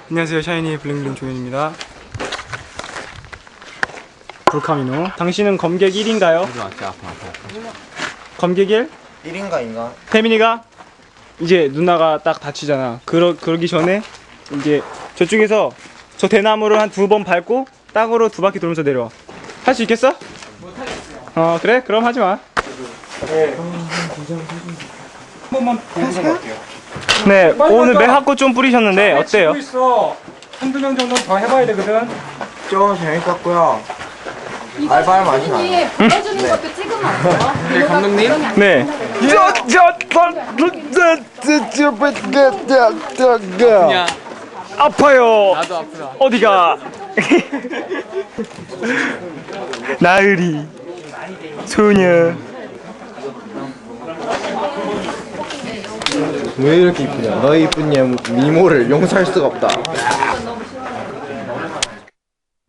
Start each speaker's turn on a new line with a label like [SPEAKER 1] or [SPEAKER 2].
[SPEAKER 1] 안녕하세요, 샤이니의 블링블링 조현입니다. 불카미노. 당신은 검객 1인가요? 검객 1?
[SPEAKER 2] 1인가 인가?
[SPEAKER 1] 태민이가 이제 누나가 딱 다치잖아. 그러기 전에 이제 저쪽에서 저 대나무를 한 2번 밟고 땅으로 2바퀴 돌면서 내려와. 할 수 있겠어? 못하겠어요. 그래? 그럼 하지 마. 네. 한 번만 보여서 갈게요. 네, 오늘 매화꽃 좀 뿌리셨는데 어때요?
[SPEAKER 3] 있어. 한두 명 정도는 더 해봐야 되거든.
[SPEAKER 2] 좀 재밌었고요. 알바할 맛이 나요.
[SPEAKER 4] 보여주는 것도 찍으면 안 돼요?
[SPEAKER 3] 네, 감독님.
[SPEAKER 1] 네.
[SPEAKER 3] 그냥
[SPEAKER 1] 아파요.
[SPEAKER 3] 나도 아프다.
[SPEAKER 1] 어디가? 나으리 소녀.
[SPEAKER 2] 왜 이렇게 이쁘냐? 너의 이쁜 미모를 용서할 수가 없다.